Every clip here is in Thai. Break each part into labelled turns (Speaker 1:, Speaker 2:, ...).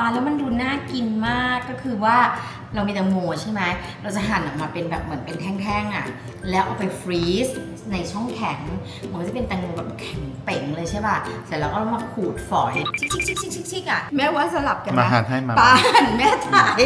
Speaker 1: แล้วมันดูน่ากินมากก็คือว่าเรามีแตงโมใช่ไหมเราจะหั่นออกมาเป็นแบบเหมือนเป็นแท่งๆอ่ะแล้วเอาไปฟรีซในช่องแข็งมันก็จะเป็นแตงโมแบบแข็งเป๋งเลยใช่ป่ะเสร็จแล้วก็มาขูดฝอยชิกๆๆๆๆอ่ะแม่ว่าสลับกันนะ
Speaker 2: มาหั่นให้มา
Speaker 1: ป้าหั่นแม่ถ่าย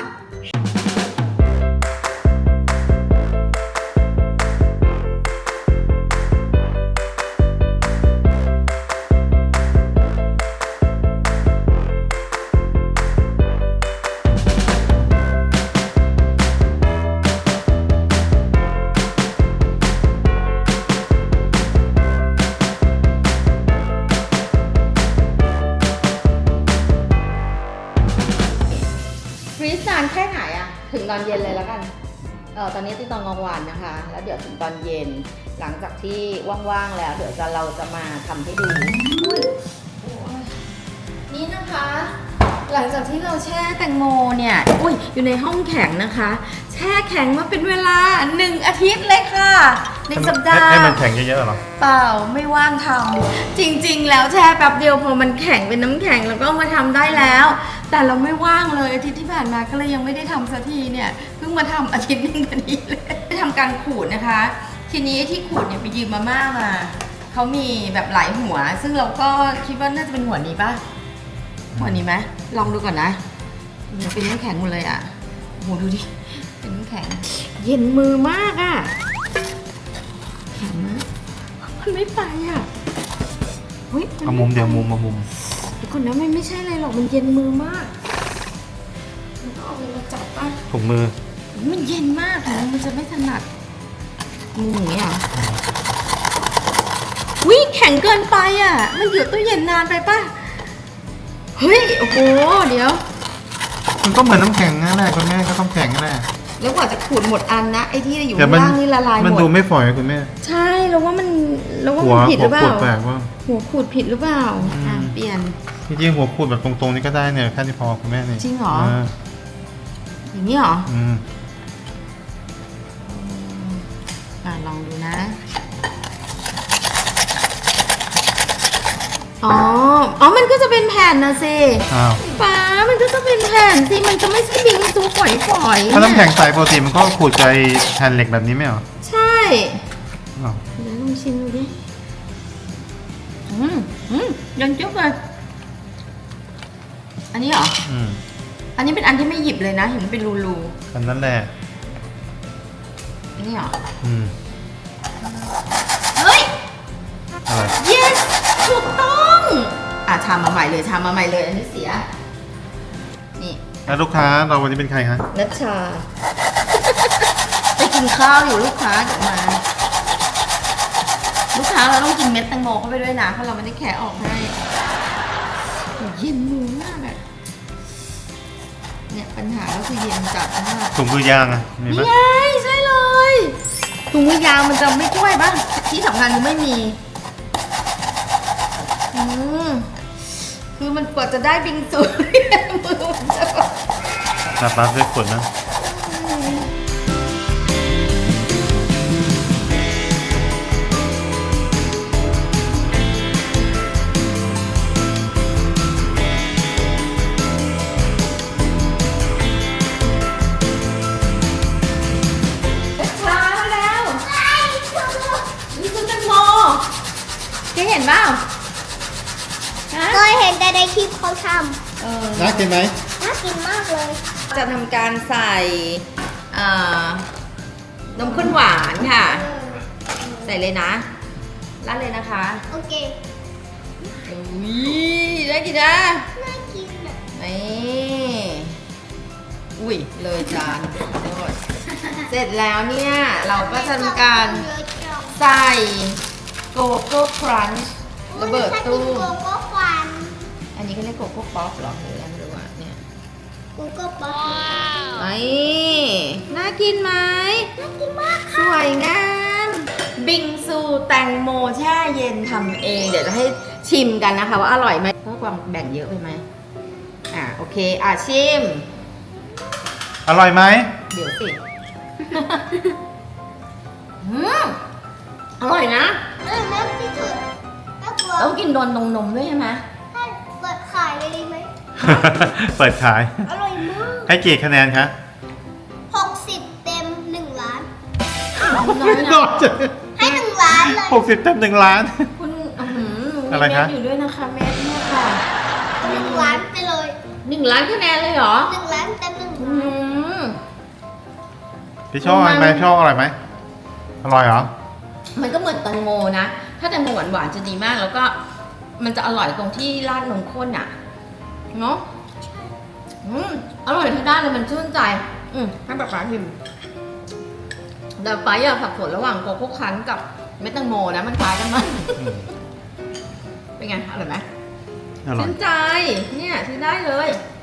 Speaker 1: ฟรีซนานแค่ไหนอะถึงตอนเย็นเลยแล้วกันตอนนี้ที่ตอนกลางวันนะคะ แล้วเดี๋ยวถึงตอนเย็นหลังจากที่ว่างๆแล้วเดี๋ยวเราจะมาทำให้ดูนี่นะคะ หลังจากที่เราแช่แตงโมเนี่ยอยู่ในห้องแข็งนะคะ แช่แข็งมาเป็นเวลา1 อาทิตย์เลยค่ะ1 สัปดาห์
Speaker 2: ให้มันแข็งเยอะๆหรอ
Speaker 1: เปล่าไม่ว่างทำจริงๆแล้วแช่แป๊บเดียวพอมันแข็งเป็นน้ำแข็งแล้วก็มาทำได้แล้ว แต่เราไม่ว่างเลยอาทิตย์ที่ผ่านมาก็เลยยังไม่ได้ทำสักทีเนี่ยเพิ่งมาทำอาทิตย์นึงพอดีเลยได้ทำการขูดนะคะทีนี้ที่ขูดเนี่ยไปยืมมาม่ามาเขามีแบบหลายหัวซึ่งเราก็คิดว่าน่าจะเป็นหัวนี้ป่ะหัวนี้ไหมลองดูก่อนนะมันเป็นน้ำแข็งหมดเลยอ่ะโหดูดิเป็นน้ำแข็งเย็นมือมากอ่ะแข็งมากมันไม่ไปอ่ะ
Speaker 2: เอามุมเดียวมุมมามุม
Speaker 1: เดี๋ยวก่อนนะมันไม่ใช่อะไรหรอกมันเย็นมือมากมันก็เอามาจับป่ะ
Speaker 2: ถุงมือ
Speaker 1: มันเย็นมากถึงมันจะไม่ถนัดมืออย่างนี้เหรอแข็งเกินไปอ่ะมันอยู่ตู้เย็นนานไปป่ะเฮ้ยโอ้โหเดี๋ยว
Speaker 2: มันก็เหมือนน้ำแข็งนั่นแหละคุณแม่ก็ต้องแข็งนั่นแหละ
Speaker 1: แล้วกว่าจะขูดหมดอันนะไอ้ที่อยู่ข้างล่างนี่ละลายหมด
Speaker 2: มันดูไม่ฝอยคุณแม่
Speaker 1: ใช่แล้วว่ามันผิดหรือเปล่าหัวขูดผิดหรือเปล่าเปลี่ยน
Speaker 2: จริงๆหัวขูดแบบตรงๆนี่ก็ได้เนี่ยแค่ที่พอคุณแม่นี่
Speaker 1: จริงเหรออย่างนี้เหรอลองดูนะมันก็จะเป็นแผ่นนะสิป้ามันก็จะเป็นแผ่นสิมันจะไม่ใช่บิงซูฝอย
Speaker 2: ถ้าน้ำแข็งใสปกติมันก็ขูดใจแผ่นเหล็กแบบนี้ไหมเหรอ
Speaker 1: ใช่เดี๋ยวลองชิมดูดิยันจุ๊บเลยอันนี้เหรออันนี้เป็นอันที่ไม่หยิบเลยนะเห็นมันเป็นรู
Speaker 2: อันนั้นแหละ
Speaker 1: อันนี้เหรอ
Speaker 2: เฮ้ย
Speaker 1: yes ถูกต้องชามมาใหม่เลยอันนี้เสียนี่
Speaker 2: แล้วลูกค้าเราวันนี้เป็นใครคะ
Speaker 1: นัชชาไปกินข้าวอยู่ลูกค้าเดี๋ยวมาลูกค้าเราต้องกินเม็ดแตงโมเข้าไปด้วยนะเพราะเราไม่ได้แคะออกให้เย็นมือมากอะเนี่ยปัญหาก็คือเย็นจัดมาก
Speaker 2: ถุงมือยางอะ
Speaker 1: นี่ไงใช่เลยถุงมือยางมันจะไม่ช่วยบ้างที่สำคัญคือไม่มีคือมันกว่าจะได้บิงซูมือมันจะ
Speaker 2: นับด้วยขวดนะ
Speaker 1: ช้าแล้วนี่คือแตงโมแกเห็นเปล่า
Speaker 3: เคยเห็นแต่ในคลิปเขาท
Speaker 2: ำน่ากินไหม
Speaker 3: น่ากินมากเลย
Speaker 1: จะทำการใส่นมข้นหวานค่ะใส่เลยนะราดเลยนะคะ
Speaker 3: โอเค
Speaker 1: ได้กินนะ
Speaker 3: น่ากิน
Speaker 1: เลยจานเสร็จแล้วเนี่ยเราก็จะทำการใส่โกโก้ครันช์ระเบิดตู้อันนี้ก็เรียกโกโก้ป๊อปหรอหรืออะไรไม่รู้อ่ะเนี่ย
Speaker 3: โกโก้ป๊อป
Speaker 1: น่ากินไหม
Speaker 3: น่ากินมาก
Speaker 1: ค่ะสวยงามบิงซูแตงโมแช่เย็นทำเองเดี๋ยวจะให้ชิมกันนะคะว่าอร่อยไหมเพราะความแบ่งเยอะไปไหมโอเคชิม
Speaker 2: อร่อยไหม
Speaker 1: เดี๋ยวสิอร่อยนะ
Speaker 3: น่าที่สุด
Speaker 1: ต้องกินโดนนมด้วยใช่ไหม
Speaker 3: เปิดขายเลยดีไหม
Speaker 2: เปิดขาย
Speaker 3: อร่อยมาก
Speaker 2: ให้กี่คะแนนคะ
Speaker 3: 60 เต็ม 1 ล้าน
Speaker 1: น้อยนะ
Speaker 3: ให้ 1 ล้านเลย
Speaker 2: 60 เต็ม 1 ล้าน
Speaker 1: คุณมี
Speaker 2: อะไร
Speaker 1: เม็
Speaker 2: คะ
Speaker 1: ดอยู่ด้วยนะคะเม็ดเนี่ยค่ะ
Speaker 3: 1 ล้านไปเลย
Speaker 1: 1 ล้านคะแนนเลยเหรอ
Speaker 3: 1 ล้านเต็ม 1
Speaker 1: อื
Speaker 3: ล้าน
Speaker 1: ม
Speaker 2: พี่ชอบอะไรไหมชอบอะไรไหมอร่อยเหรอ
Speaker 1: มันก็เหมือนแตงโมนะ ถ้าแตงโมหวานๆจะดีมาก แล้วก็มันจะอร่อยตรงที่ราดนมข้นอ่ะ เนาะอร่อยทุกด้านเลยมันชื่นใจ ให้ป๊าป๊าชิมแต่ป๊าอย่าสับสนระหว่างโกโก้คั้นกับเม็ดแตงโมนะ มันคล้ายกันมาก
Speaker 2: อืม
Speaker 1: เป็นไง อร่อยไหม
Speaker 2: อร่อย
Speaker 1: ชื่นใจ เนี่ยซื้อได้เลย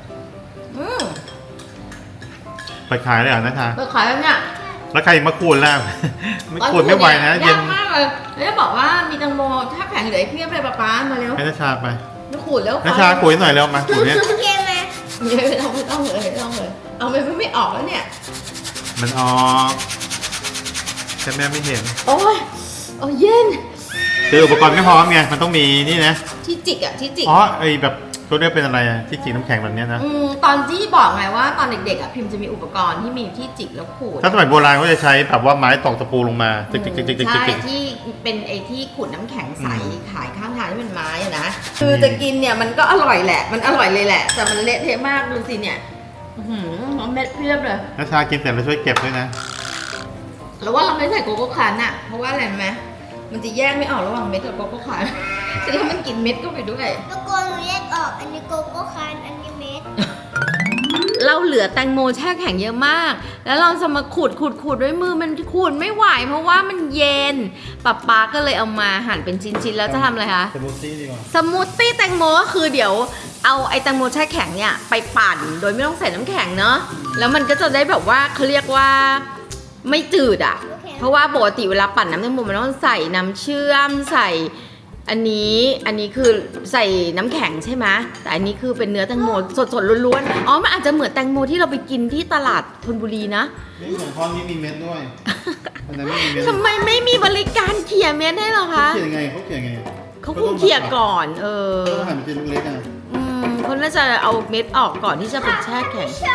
Speaker 2: เปิดขายเลยเหรอนะชา
Speaker 1: เปิดขายแล้วเนี่ย
Speaker 2: แล้วใครมาขูดแล้ว ไม่ขูดไม่ไหวนะเย็
Speaker 1: ยาน กมากเลยแล้วจะบอกว่ามีแตงโมถ้าแข็งเหลืออีกเพียบเลยป๊ามาเร็ว
Speaker 2: ให้นะชาไป
Speaker 1: มาขูดแล้ว
Speaker 2: นะชาขูดให้หน่อยเร็วมาขูดเนี่ย
Speaker 3: โอเคไหม
Speaker 1: ไม่ต้องเลยเอาไม่ออกแล้วเนี่ย
Speaker 2: มันออกแต่แม่ไม่เห็น
Speaker 1: โอ้ยเย็น
Speaker 2: คืออุปกรณ์ไม่พร้อมไงมันต้องมีนี่นะ
Speaker 1: ที่จิกอะที่จิก
Speaker 2: อ๋อไอแบบเขาเรียกเป็นอะไรอะที่จิกน้ำแข็งแบบเนี้ยนะ
Speaker 1: ตอนที่บอกไงว่าตอนเด็กๆอะพิมพ์จะมีอุปกรณ์ที่มีที่จิกแล้วขูด
Speaker 2: ถ้าสมัยโบราณเขาจะใช้แบบว่าไม้ตอกตะปูลงมาจิกจิกจิกจิกจิก
Speaker 1: ใช่
Speaker 2: จิก
Speaker 1: ที่เป็นไอ้ที่ขูดน้ำแข็งใส
Speaker 2: อืม
Speaker 1: ขายข้างทางที่เป็นไม้อะนะคือจะกินเนี่ยมันก็อร่อยแหละ มันอร่อยเลยแหละ แต่มันเละเทะมากดูสิเนี่ยเม็ดเพียบเลย
Speaker 2: นะชากินเสร็จแล้วช่วยเก็บด้วยนะ
Speaker 1: แล้วว่าเราไม่ใส่โกโก้คันอะเพราะว่าอะไรรู้ไหมมันจะแยกไม่ออกระหว่างเม็ดกับโกโก้คัน จะทำมันกินเม็ดเข้าไปด้วย
Speaker 3: ตะโกนหนูแยกออก อันนี้โกโก้คันอันนี้เม็ด
Speaker 1: เราเหลือแตงโมแช่แข็งเยอะมาก แล้วเราจะมาขูดด้วยมือมันขูดไม่ไหว เพราะว่ามันเย็นป๊าก็เลยเอามาหั่นเป็นชิ้นๆแล้วจะทำอะไรคะ
Speaker 2: สมูทตี้ดีกว่า
Speaker 1: สมูทตี้แตงโมก็คือเดี๋ยวเอาไอ้แตงโมแช่แข็งเนี่ยไปปั่นโดยไม่ต้องใส่น้ำแข็งเนาะแล้วมันก็จะได้แบบว่าเขาเรียกว่าไม่จืดอ่ะ เพราะว่าปกติเวลาปั่นน้ำแตงโมมันต้องใส่น้ำเชื่อมใส่อันนี้คือใส่น้ำแข็งใช่ไหมแต่อันนี้คือเป็นเนื้อแตงโมสดๆล้วนๆอ๋อมันอาจจะเหมือนแตงโมที่เราไปกินที่ตลาดธนบุรีนะ
Speaker 2: นี่ของพ่อนี่มีเม็ดด้วยอันนั้นไม่มีเม็ด
Speaker 1: ทำไมไม่มีบริการเขี่ยเม็ดให้เหรอคะ
Speaker 2: เขียนยังไงเขาเขียนยังไง
Speaker 1: เขาคงเขี่ยก่อน
Speaker 2: ต้องหั่นเป็นชิ้นเล็กๆอ่ะ
Speaker 1: เขาน่าจะเอาเม็ดออกก่อนที่จะเป็นแช่แข็ง
Speaker 3: ชอบ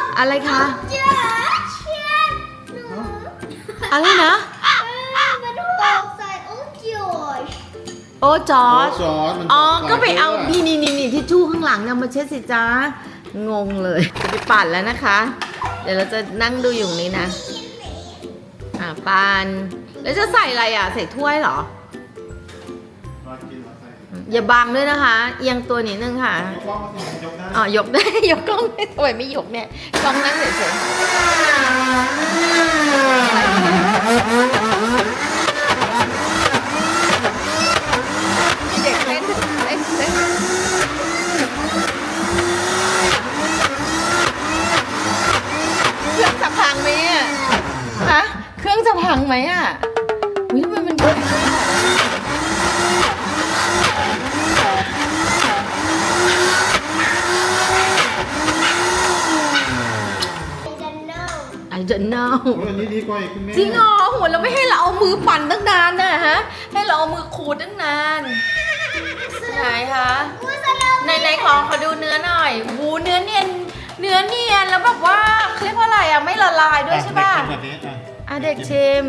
Speaker 1: อะไรคะ
Speaker 3: จ้าเชียร์หนู
Speaker 1: อะไรนะ
Speaker 3: มันตกใส่โอ้จอย
Speaker 1: โอ้จอร์จ
Speaker 2: จอร์จมัน
Speaker 1: อ๋อ ก็ไปเอา
Speaker 2: นี่
Speaker 1: นี่ทิชชู่ข้างหลังเนี่ยมาเช็ดสิจ้างงเลย จะไปปั่นแล้วนะคะ เดี๋ยวเราจะนั่งดูอยู่ตรงนี้นะ ปั่นแล้วจะใส่อะไรอ่ะ ใส่ถ้วยเหรอ อย่าบังด้วยนะคะ เอียงตัวนิดนึงค่ะ อ๋อ ยกได้ ยกกล้องได้ทำไมไม่ยกเนี่ย กล้องนั่งเฉยๆเด็กเล่นเครื่องจะพังไหมอ่ะฮะเครื่องจะพังไหมอ่ะวิทำไมมันดูI don't know
Speaker 2: อันนี้ดีกว่าอีกคุณแม่
Speaker 1: จริงเหรอโหเราไม่ให้เราเอามือปั่นตั้งนานนะฮะ ให้เราเอามือขูดตั้งนานไหนคะในขอดูเนื้อหน่อยหูเนื้อเนียนแล้วแบบว่าเขาเรียกว่าอะไรอ่ะไม่ละลายด้วยใช่ป่ะ
Speaker 2: แบบนี้อ่ะ
Speaker 1: อ่ะเด็กชิม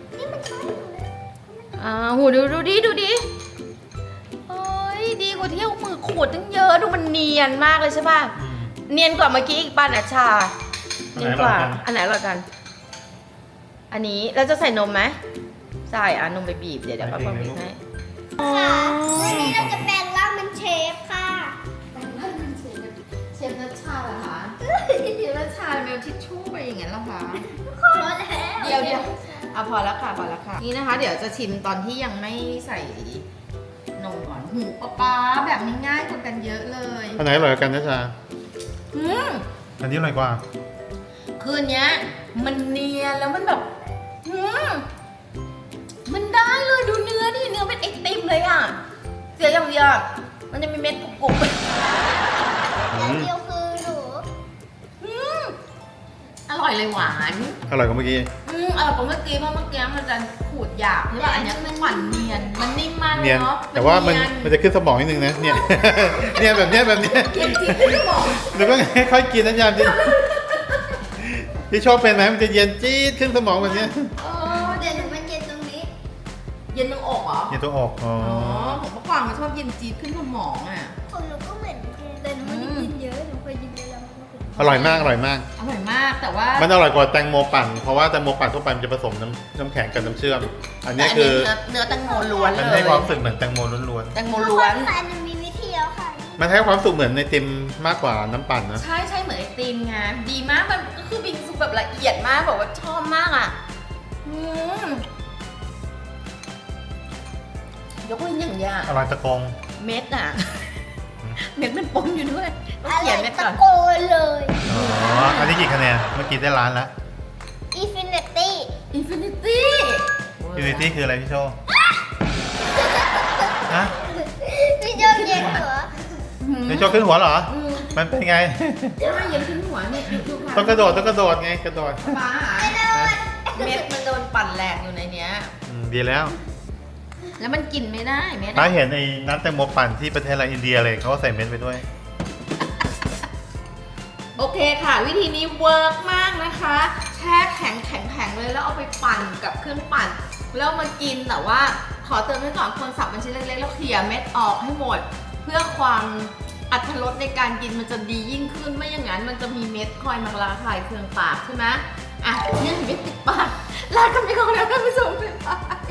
Speaker 1: หูดูดิเฮ้ยดีกว่าที่เอามือขูดตั้งเยอะดูมันเนียนมากเลยใช่ป่ะเนียนกว่าเมื่อกี้อีกป่ะนะชาเนียนกว่าอันไหนอร่อยกัน อันนี้เราจะใส่นมไหมใส่นมไปบีบเดี๋ยวป้าปองบีบให้
Speaker 3: ค่ะวันนี้เราจะแปลงร่างเป็นเชฟค่ะ
Speaker 1: เชฟนัชชาเหรอคะเชฟนัชชาเมลทิชชู่ไปอย่างนั้นเหรอคะ
Speaker 3: พอแล้ว
Speaker 1: เดี๋ยวพอแล้วค่ะนี่นะคะ เดี๋ยวจะชิมตอนที่ยังไม่ใส่นมก่อนหูป๊าแบบนี้ง่ายกว่ากันเยอะเลย
Speaker 2: อันไหนอร่อยกว่ากันนะชา
Speaker 1: อืม
Speaker 2: อันนี้อร่อยกว่า
Speaker 1: คืนนี้มันเนียนแล้วมันแบบมันได้เลยดูเนื้อดิเนื้อเป็นไอติมเลยอ่ะเสียอย่างเดียวมันจะมีเม็ดกรุบ
Speaker 3: อย่างเดียวคือหนู
Speaker 1: อร่อยเลยหวาน
Speaker 2: อร่อยกว่าเมื่อกี้
Speaker 1: อกว่าเมื่อกี้เพราะเมื่อกี้มันจะขูดหยาบใช่ป่ะอันเนี้ยมันหวานเนียนมันนิ่มมากเล
Speaker 2: เนี
Speaker 1: ย
Speaker 2: ยน
Speaker 1: เนาะ
Speaker 2: แต่ว่ามัน
Speaker 1: เนีย
Speaker 2: มันจะขึ้นสมองนิดนึงนะเนี่ย เนี่ยแบบเนี้ยแบบเนี้ย
Speaker 1: เย็นจี๊ดขึ้นสมอง
Speaker 2: หรือว่าค่อยๆกินนะยามที่พี่ชอบเป็นไหมมันจะเย็นจี๊ดขึ้นสมองแบบเนี้ย
Speaker 3: เดี๋ยวหนูมันเย็นตรงนี้
Speaker 1: เย็นตรงอกเหรอ
Speaker 2: เย็นตัวออกอ๋อ
Speaker 1: อ๋อผมเมื่อก่อนมันชอบเย็นจี๊ดขึ้นสมองอ่ะ
Speaker 3: ของหนูก็เหมือนกันแต่หนูไม่ได้กินเยอะหนูเคยกินเยอะแล้วมันก็เป็น
Speaker 2: อร่อยมากอร่อยมาก
Speaker 1: อร่อยมากแต่ว่า
Speaker 2: มันอร่อยกว่าแตงโมปั่นเพราะว่าแตงโมปั่นทั่วไปมันจะผสมน้ำแข็งกับน้ำเชื่อมอัน
Speaker 1: แต่
Speaker 2: นี้
Speaker 1: อัน
Speaker 2: คื
Speaker 1: นี้
Speaker 2: อ
Speaker 1: เนื้อแตงโมล้วน
Speaker 2: มัน
Speaker 1: เล
Speaker 2: ให้
Speaker 1: ย
Speaker 2: ความรู้สึกเหมือนแตงโมล้วน
Speaker 1: แตงโมล้วน
Speaker 3: ค่ะหนูมีวิธีแล้วค่ะ
Speaker 2: ๆมันให้ความรู้สึกเหมือนในติมมากกว่าน้ำปั่นนะ
Speaker 1: ใช่ใช่เหมือนไอติมไงดีมากมันก็คือบิงซูแบบละเอียดมากแบบว่าชอบมากอ่ะยกเว้นอย่างเงี้ย
Speaker 2: อร่อยตะกง
Speaker 1: เม็ดอ่ะ เม็ดมันปนอยู่ด้วยต้อง
Speaker 3: อะไร
Speaker 1: เขียนเม็ด
Speaker 3: ตะ
Speaker 1: ก่อน
Speaker 3: โกนเลย
Speaker 2: อ๋ออันนี้กี่คะแนนเมื่อกี้ได้ล้านแล้ว
Speaker 3: Infinity
Speaker 1: อินฟินิตี้
Speaker 2: ยูนิตี้คืออะไรพี่โชว์ฮะ
Speaker 3: พี่โจเย็นเหรอ
Speaker 2: พี่โชว์ขึ้นหัวเหรอ มันเป็นไง
Speaker 1: ใช่เย็นขึ้นหัวเนี่ยดูค่ะ
Speaker 2: ต้องกระโดดไงกระโดด
Speaker 1: ฟ้าเม็ดมันโดนปั่นแหลกอยู่ในเนี้ย
Speaker 2: ดีแล้ว
Speaker 1: แล้วมันกินไม่ได้เม็ด
Speaker 2: ถ้า
Speaker 1: อะ
Speaker 2: เห็นไอ้น้ำแตงโมปั่นที่ประเทศอะไรอินเดียเลยเขาก็ใส่เม็ดไปด้วย
Speaker 1: โอเคค่ะ วิธีนี้เวิร์กมากนะคะ แช่แข็งเลยแล้วเอาไปปั่นกับเครื่องปั่นแล้วมากินแต่ว่าขอเตือนไว้ก่อนคนสับเป็นชิ้นเล็กๆแล้วเขี่ยเม็ดออกให้หมด เพื่อความอรรถรสในการกินมันจะดียิ่งขึ้นไม่อย่างนั้นมันจะมีเม็ดคอยมาระคายเคืองปากใช่ไหมอ่ะเนี่ยเม็ดติดปากลากันไปก่อนแล้วท่านผู้ชมบ๊ายบาย